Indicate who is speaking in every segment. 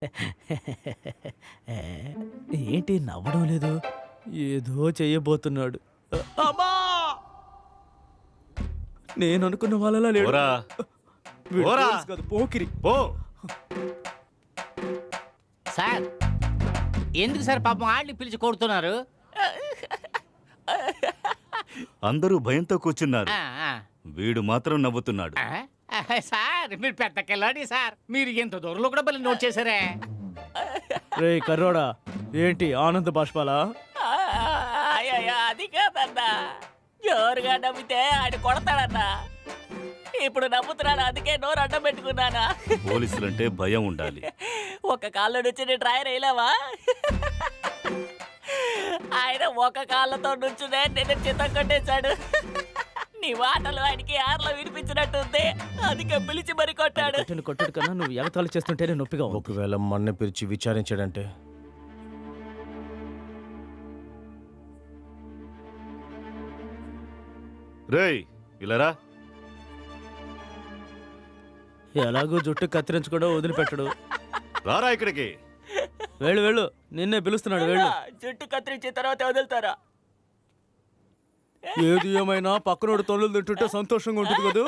Speaker 1: ఏంటి నవ్వడం లేదు? ఏదో చెయ్యబోతున్నాడు. అమ్మా! నేను అనుకున్న వాళ్ళలా లేడు.
Speaker 2: పోరా.
Speaker 1: వీడు
Speaker 2: పోరా.
Speaker 1: పోలీస్ కాదు, పోకిరి.
Speaker 2: పో.
Speaker 3: సార్ ఎందుకు సార్ పాపం ఆడిని పిలిచి కొడుతున్నారు?
Speaker 2: అందరూ భయంతో కూర్చున్నారు,
Speaker 3: ఆ, ఆ.
Speaker 2: వీడు మాత్రం నవ్వుతున్నాడు.
Speaker 3: సార్ మీరు పెద్ద కిల్లాడి సార్. మీరు ఎంత దూరంలో కూడా బలి నోట్ చేశారే.
Speaker 1: రే కర్రోడా, ఏంటి ఆనంద బాష్పాలా?
Speaker 4: అయ్యో అది కాదన్నా, జోరుగా నవ్వితే ఆడు కొడతాడన్నా. ఇప్పుడు నవ్వుతున్నాడు, అందుకే నోరు అడ్డం పెట్టుకున్నానా.
Speaker 2: పోలీసులంటే భయం ఉండాలి.
Speaker 4: ఒక కాళ్ళ నుంచి నేను ట్రైర్ వేయలేవా? ఆయన ఒక కాళ్ళతో నుంచునే నిన్ను చిత్తం కొట్టేశాడు. నీ మాటలు ఆయనకి ఆర్లో వినిపించినట్టుంది, అందుకే పిలిచి మరి కొట్టాడు.
Speaker 1: కొట్టుడు కన్నా నువ్వు ఎగతాళి చేస్తుంటేనే నొప్పిగా ఉంది.
Speaker 5: ఒకవేళ మన్న పిలిచి విచారించాడంటే
Speaker 2: రేయ్ ఇలారా.
Speaker 1: ఎలాగో జుట్టు కత్తిరించుకోవడం వదిలిపెట్టడు.
Speaker 2: రారా ఇక్కడికి.
Speaker 1: వెళ్ళు వెళ్ళు, నిన్నే పిలుస్తున్నాడు, వెళ్ళు.
Speaker 4: జుట్టు కత్తిరించిన తర్వాత వదులుతారా?
Speaker 1: ఏది ఏమైనా పక్కనోడు తొలలు తింటుంటే సంతోషంగా ఉంటుంది కదా.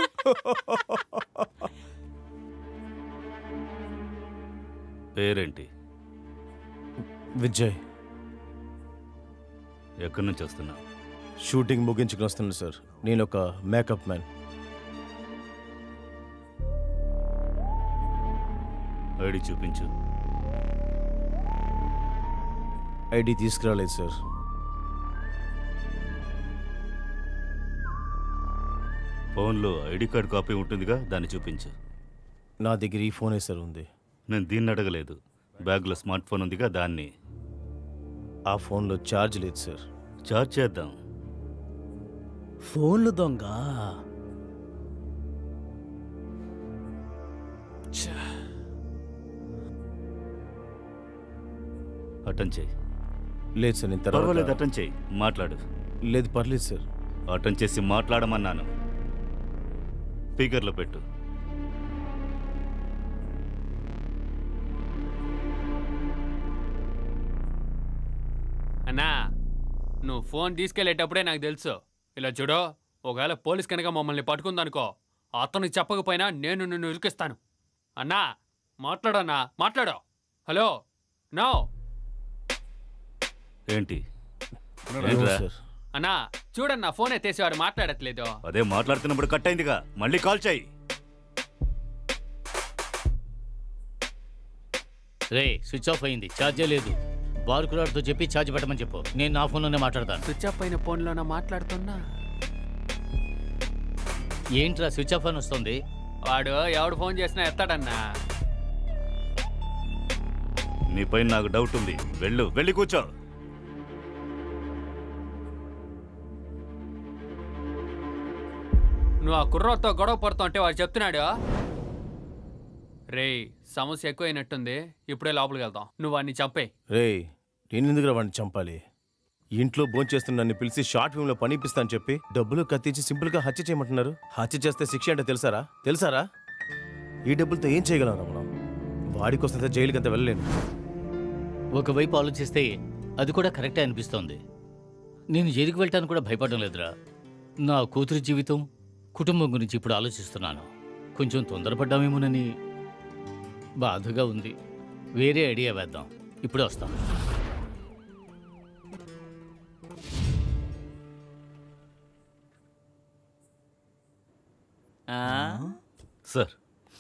Speaker 2: పేరేంటి?
Speaker 5: విజయ్.
Speaker 2: ఎక్కడి నుంచి వస్తున్నా?
Speaker 5: షూటింగ్ ముగించుకుని వస్తున్నాను సార్. నేను ఒక మేకప్ మ్యాన్.
Speaker 2: ఐడి చూపించు.
Speaker 5: ఐడి తీసుకురాలేదు సార్.
Speaker 2: ఫోన్లో ఐడి కార్డ్ కాపీ ఉంటుందిగా, దాన్ని చూపించు.
Speaker 5: నా దగ్గర ఈ ఫోనే సార్ ఉంది.
Speaker 2: నేను దీన్ని అడగలేదు, బ్యాగ్లో స్మార్ట్ ఫోన్ ఉందిగా దాన్ని.
Speaker 5: ఆ ఫోన్లో ఛార్జ్ లేదు సార్.
Speaker 2: చార్జ్ చేద్దాం.
Speaker 1: ఫోన్లు దొంగ.
Speaker 2: అటెండ్ చేయి.
Speaker 5: లేదు సార్, నేను
Speaker 2: పర్వాలేదు,
Speaker 5: తర్వాత.
Speaker 2: అటెండ్ చేయి, మాట్లాడు.
Speaker 5: లేదు పర్లేదు సార్.
Speaker 2: అటెండ్ చేసి మాట్లాడమన్నాను. స్పీకర్లో పెట్టు.
Speaker 6: అన్నా నువ్వు ఫోన్ తీసుకెళ్లేటప్పుడే నాకు తెలుసు. ఇలా చూడు, ఒకవేళ పోలీస్ కనుక మమ్మల్ని పట్టుకుందనుకో, అతనికి చెప్పకపోయినా నేను నిన్ను ఇరికిస్తాను. అన్నా మాట్లాడన్నా, మాట్లాడు. Hello, no.
Speaker 2: ఏంటి?
Speaker 5: అవును
Speaker 2: ఏంట్రా?
Speaker 5: సార్.
Speaker 6: అన్నా చూడన్నా, ఫోన్ ఎత్తేసేవాడు మాట్లాడట్లేదు.
Speaker 2: అదే మాట్లాడుతున్నప్పుడు కట్ అయిందిగా, మళ్ళీ కాల్ చేయి.
Speaker 3: రే స్విచ్ ఆఫ్ అయింది, ఛార్జే లేదు. బార్కులాడ్తో చెప్పి ఛార్జ్ పెట్టమని చెప్పు, నేను నా ఫోన్లోనే మాట్లాడతాను.
Speaker 6: స్విచ్ ఆఫ్ అయిన ఫోన్లోనే మాట్లాడుతున్నా.
Speaker 3: ఏంట్రా స్విచ్ ఆఫ్ అని వస్తుంది?
Speaker 6: వాడు ఎవడు ఫోన్ చేసినా ఎత్తాడన్నా.
Speaker 2: నీపై నాకు డౌట్ ఉంది, వెళ్ళు, వెళ్ళి కూర్చో.
Speaker 6: నువ్వు ఆ కుర్రతో గొడవ పడుతూ అంటే వాడు చెప్తున్నాడు. రే సమస్య ఎక్కువైనట్టుంది, ఇప్పుడే లోపలికి వెళ్తాం. నువ్వు వాడిని చంపే.
Speaker 5: రేయ్, నేను ఎందుకు వాడిని చంపాలి? ఇంట్లో భోంచేస్తున్న నన్ను పిలిచి షార్ట్ ఫిల్మ్లో పని ఇప్పిస్తాను చెప్పి డబ్బులు కత్తించి సింపుల్గా హత్య చేయమంటున్నారు. హత్య చేస్తే శిక్ష అంటే తెలుసారా? ఈ డబ్బులతో ఏం చేయగలరా మనం? వాడికి వస్తే జైలుకి అంత వెళ్ళలేను.
Speaker 3: ఒకవైపు ఆలోచిస్తే అది కూడా కరెక్టే అనిపిస్తోంది. నేను జైలుకి వెళ్ళటానికి కూడా భయపడడం లేదురా. నా కూతురి జీవితం, కుటుంబం గురించి ఇప్పుడు ఆలోచిస్తున్నాను. కొంచెం తొందరపడ్డామేమోనని బాధగా ఉంది. వేరే ఐడియా వేద్దాం, ఇప్పుడే వస్తాం.
Speaker 2: సార్,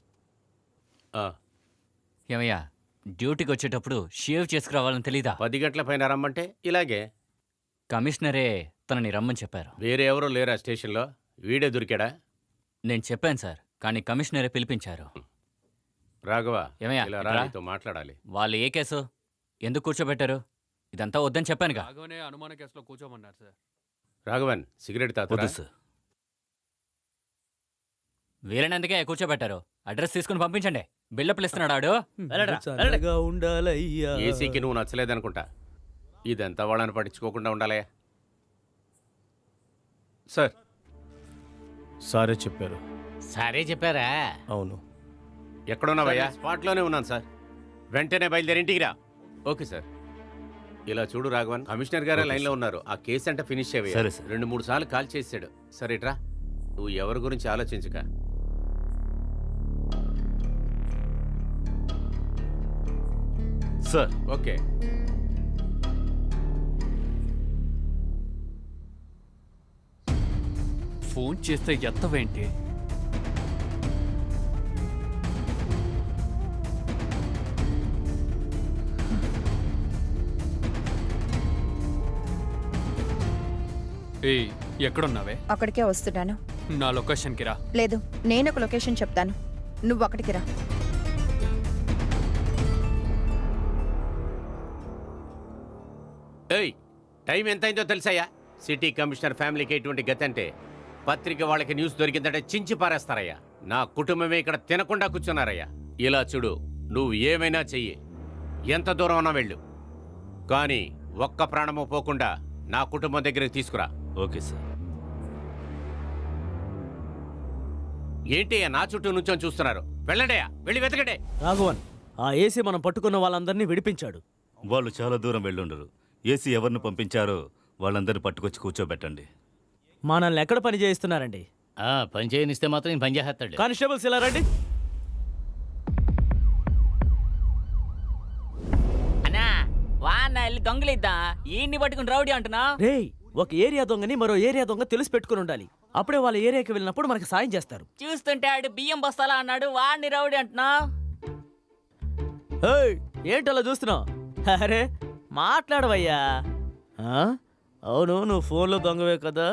Speaker 7: ఏమయ్యా, డ్యూటీకి వచ్చేటప్పుడు షేవ్ చేసుకురావాలని తెలీదా?
Speaker 8: 10 గంటల పైన రమ్మంటే ఇలాగే.
Speaker 7: కమిషనరే తనని రమ్మని చెప్పారు.
Speaker 8: వేరే ఎవరో లేరా స్టేషన్లో? వీడే దొరికాడా?
Speaker 7: నేను చెప్పాను సార్, కానీ కమిషనరే పిలిపించారు.
Speaker 8: రాఘవ,
Speaker 7: ఏమయ్యా,
Speaker 8: ఇలా
Speaker 7: ఇట్రా.
Speaker 8: నీతో మాట్లాడాలి.
Speaker 7: వాళ్ళు ఏ కేసు ఎందుకు కూర్చోబెట్టారు? ఇదంతా వద్దని చెప్పానుగా.
Speaker 6: రాఘవనే అనుమాన కేసులో కూర్చోమన్నారు సార్.
Speaker 8: రాఘవన్, సిగరెట్ తాత.
Speaker 2: వద్దు సార్.
Speaker 7: వీలైనందుకే కూర్చోబెట్టారు. అడ్రస్ తీసుకుని పంపించండి. బిల్డప్లు ఇస్తున్నాడు ఆడు.
Speaker 3: వెళ్ళరా,
Speaker 1: చల్లగా ఉండాలయ్యా.
Speaker 8: ఏసీకి నువ్వు నచ్చలేదనుకుంటా. ఇదంతా వాళ్ళని పట్టించుకోకుండా ఉండాలే. సార్,
Speaker 5: సారే చెప్పారు.
Speaker 3: సరే చెప్పారా?
Speaker 5: అవును.
Speaker 8: ఎక్కడున్నావయ్యా? స్పాట్లోనే ఉన్నాను సార్. వెంటనే బయలుదేరి ఇంటికి రా. Okay sir. ఇలా చూడు రాఘవన్, కమిషనర్ గారే
Speaker 2: ఓకే
Speaker 8: లైన్లో
Speaker 2: సార్.
Speaker 8: ఉన్నారు. ఆ కేసు అంటే ఫినిష్
Speaker 2: సరే
Speaker 8: అయ్యాయి.
Speaker 2: సార్.
Speaker 8: 2-3 సార్లు కాల్ చేసాడు. సరే ఇట్రా, నువ్వు ఎవరి గురించి ఆలోచించక.
Speaker 2: Sir
Speaker 8: okay.
Speaker 6: ఫోన్ చేస్తే ఎత్తవేంటి? ఏయ్, ఎక్కడున్నావే?
Speaker 9: అక్కడికే వస్తున్నాను.
Speaker 6: నా లొకేషన్కి రా.
Speaker 9: లేదు, నేను ఒక లొకేషన్ చెప్తాను, నువ్వు అక్కడికి రా.
Speaker 8: ఏయ్, టైం ఎంతైందో తెలుసాయా? సిటీ కమిషనర్ ఫ్యామిలీకి ఎటువంటి గతి అంటే పత్రిక వాళ్ళకి న్యూస్ దొరికిందంటే చించి పారేస్తారయ్యా. నా కుటుంబమే ఇక్కడ తినకుండా కూర్చున్నారయ్యా. ఇలా చూడు, నువ్వు ఏమైనా చెయ్యి, ఎంత దూరం అన్నా వెళ్ళు, కానీ ఒక్క ప్రాణము పోకుండా నా కుటుంబం దగ్గరికి తీసుకురా.
Speaker 2: Okay sir.
Speaker 8: ఏంటయ్యా నా చుట్టూ నుంచొని చూస్తున్నారు? వెళ్ళండియా, వెళ్ళి వెతకండి.
Speaker 1: రాఘవన్, ఆ ఏసీ మనం పట్టుకున్న వాళ్ళందరినీ విడిపించాడు.
Speaker 2: వాళ్ళు చాలా దూరం వెళ్ళుండరు. ఏసీ ఎవరిని పంపించారో వాళ్ళందరినీ పట్టుకొచ్చి కూర్చోబెట్టండి.
Speaker 1: మనల్ని ఎక్కడ పని చేయిస్తున్నారండి?
Speaker 3: పని చేయనిస్తే మాత్రం నేను పని చేస్తాడు.
Speaker 1: కానిస్టేబుల్స్ ఇలా రండి.
Speaker 4: అన్నా వాన్న వెళ్ళి దొంగలిద్దా, ఈయన్ని పట్టుకుని రౌడీ అంటున్నా.
Speaker 1: రేయ్, ఒక ఏరియా దొంగని మరో ఏరియా దొంగ తెలిసి పెట్టుకుని ఉండాలి. అప్పుడే వాళ్ళ ఏరియాకి వెళ్ళినప్పుడు మనకి సాయం చేస్తారు.
Speaker 4: చూస్తుంటే ఆడు బియ్యం బస్తాలా అన్నాడు, వాడిని రౌడీ అంటున్నా.
Speaker 1: ఏయ్, ఏంటలా చూస్తున్నావు? అరే మాట్లాడవయ్యా. అవును, నువ్వు ఫోన్లో దొంగవే కదా?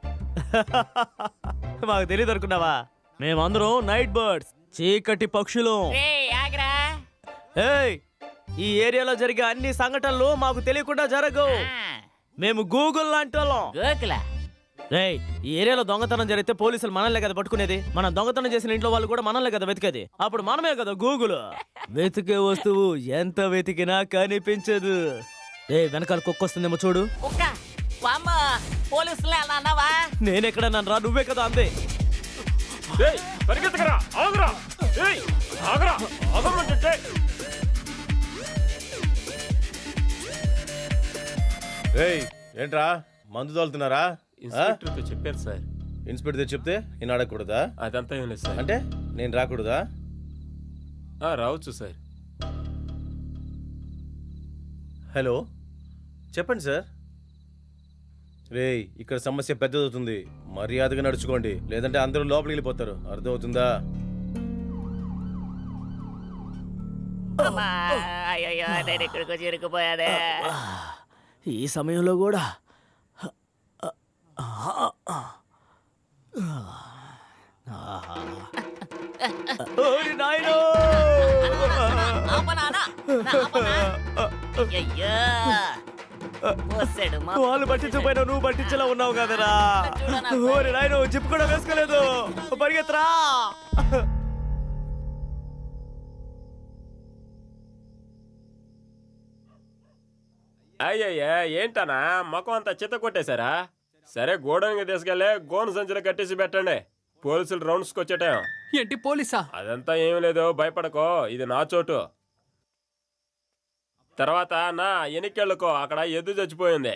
Speaker 1: మాకు తెలియదు అనుకున్నావా? మేమందరం నైట్ బర్డ్స్, చీకటి పక్షులు.
Speaker 4: రేయ్, ఆగ్రా.
Speaker 1: ఏయ్, ఈ ఏరియాలో జరిగే అన్ని సంఘటనలు మాకు తెలియకుండా జరగవు. మేము గూగుల్ లాంటి వాళ్ళం.
Speaker 4: గోకుల
Speaker 1: రేయ్, ఈ ఏరియాలో దొంగతనం జరిగితే పోలీసులు మనల్నే కదా పట్టుకునేది. మనం దొంగతనం చేసిన ఇంట్లో వాళ్ళు కూడా మనల్నే కదా వెతికేది. అప్పుడు మనమే కదా గూగుల్. వెతికే వస్తువు ఎంత వెతికినా కనిపించదు. వెనకాల కుక్క వస్తుందేమో చూడు.
Speaker 4: కుక్క వామ్మ, పోలీసులు అలా అన్నావా?
Speaker 1: నేనెక్కడ నన్ను రా, నువ్వే కదా అందే.
Speaker 5: ఏయ్, ఏంట్రా మందు తోలుతున్నారా?
Speaker 10: ఇన్స్పెక్టర్తో చెప్పారు సార్.
Speaker 5: ఇన్స్పెక్టర్ చెప్తే నేను అడగకూడదా?
Speaker 10: అదంతా ఏం లేదు సార్.
Speaker 5: అంటే నేను రాకూడదా?
Speaker 10: రావచ్చు సార్.
Speaker 5: హలో, చెప్పండి సార్. రేయ్, ఇక్కడ సమస్య పెద్దదవుతుంది, మర్యాదగా నడుచుకోండి, లేదంటే అందరూ లోపలికి వెళ్ళిపోతారు. అర్థమవుతుందా?
Speaker 4: అమ్మా, అయ్యయ్యో, నేను ఇక్కడికి వచ్చి ఇరుక్కుపోయాదే.
Speaker 1: ఈ సమయంలో కూడా ఓరి నాయనో!
Speaker 4: ఆపనా, అన్నా? నా ఆపనా? అయ్యయ్యో, పోసాడు మా
Speaker 1: వాళ్ళు పట్టించకపోయినా నువ్వు పట్టించేలా ఉన్నావు కదరా. ఓరి నాయనో, జిప్ కూడా వేసుకోలేదు. పరిగెత్తరా.
Speaker 10: అయ్యయ్యా, ఏంటనా మొఖం అంతా చిత్త కొట్టేశారా? సరే, గోడౌన్కి తీసుకెళ్లే గోను సంచులు కట్టేసి పెట్టండి. పోలీసులు రౌండ్స్కి వచ్చేటాం.
Speaker 6: ఏంటి పోలీసా?
Speaker 10: అదంతా ఏం లేదు, భయపడకో, ఇది నా చోటు. తర్వాత నా ఎనికెళ్ళుకో, అక్కడ ఎద్దు చచ్చిపోయింది.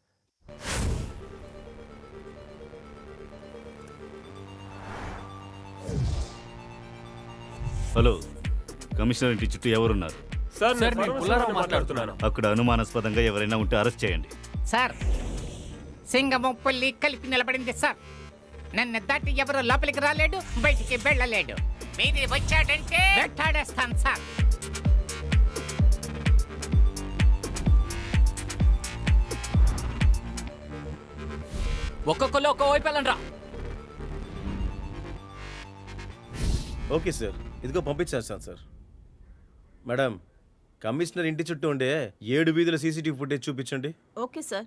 Speaker 2: హలో, కమిషనర్ ఇంటి చుట్టూ ఎవరున్నారు?
Speaker 10: సార్,
Speaker 6: సార్,
Speaker 10: నేను
Speaker 6: నేను పుల్లారావు మాట్లాడుతున్నాను.
Speaker 2: అక్కడ అనుమానాస్పదంగా ఎవరైనా ఉంటే అరెస్ట్ చేయండి.
Speaker 11: సార్, సింగము పుల్లి కలిపి నిలబడింది సార్. నన్ను దాటి ఎవరు లోపలికి రాలేడు, బయటికి వెళ్ళలేడు. మీది వచ్చాడంటే వెంటాడేస్తాను సార్.
Speaker 7: ఒక్కొక్కరు ఒక్కో వైపు వెళ్ళండి.
Speaker 5: ఓకే సార్, ఇదిగో పంపించేస్తాను సార్. మేడం, కమిషనర్ ఇంటి చుట్టూ ఉండే 7 వీధుల సీసీటీవీ ఫుటేజ్ చూపించండి.
Speaker 9: Okay sir.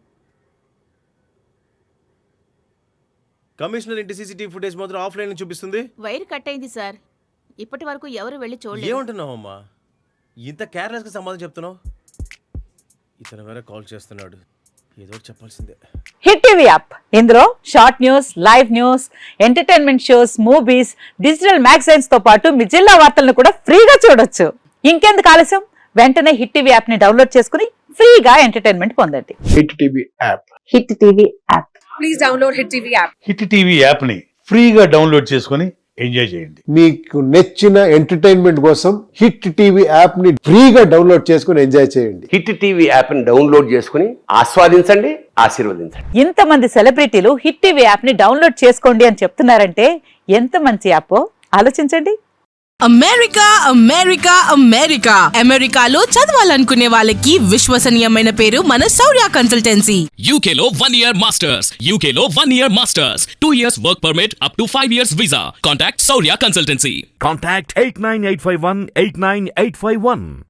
Speaker 5: కమిషనర్ ఇంటి సీసీటీవీ ఫుటేజ్ మాత్రం ఆఫ్లైన్ చూపిస్తుంది.
Speaker 9: వైర్ కట్ అయింది సార్, ఇప్పటి వరకు ఎవరు వెళ్ళి చూడలేదు.
Speaker 5: ఏమంటున్నావమ్మా? ఇంత కేర్లెస్గా సమాధానం చెప్తున్నావు. ఇతను వేరే కాల్ చేస్తున్నాడు, ఏదో ఒకటి చెప్పాల్సిందే.
Speaker 12: హిట్ టీవీ యాప్, ఇందులో short news, live news, entertainment shows, movies, digital magazines తో పాటు మీ జిల్లా వార్తలను కూడా ఫ్రీగా చూడొచ్చు. ఇంకెందుకు ఆలస్యం, వెంటనే హిట్ టీవీ యాప్ ని డౌన్లోడ్ చేసుకుని ఫ్రీగా ఎంటర్టైన్మెంట్ పొందండి.
Speaker 13: Hit TV app.
Speaker 12: Hit TV app.
Speaker 11: Please download hit TV app.
Speaker 13: Hit TV app ని ఫ్రీగా డౌన్లోడ్ చేసుకుని ఎంజాయ్ చేయండి. మీకు నచ్చిన ఎంటర్టైన్మెంట్ కోసం హిట్ టీవీ యాప్ ని ఫ్రీగా డౌన్లోడ్ చేసుకుని ఎంజాయ్ చేయండి.
Speaker 8: హిట్ టీవీ యాప్ ని డౌన్లోడ్ చేసుకుని ఆస్వాదించండి, ఆశీర్వదించండి.
Speaker 12: ఇంతమంది సెలబ్రిటీలు హిట్ టీవీ యాప్ ని డౌన్లోడ్ చేసుకోండి అని చెప్తున్నారంటే ఎంత మంచి యాప్ ఆలోచించండి.
Speaker 11: అమెరికా అమెరికా అమెరికా అమెరికాలో చదవాలనుకునే వాళ్ళకి విశ్వసనీయమైన పేరు మన శౌర్య కన్సల్టెన్సీ.
Speaker 14: UK లో 1 year masters, UK లో 1 year masters, 2 years work permit up to 5 years visa. Contact Saurya Consultancy.
Speaker 13: Contact 89851 89851.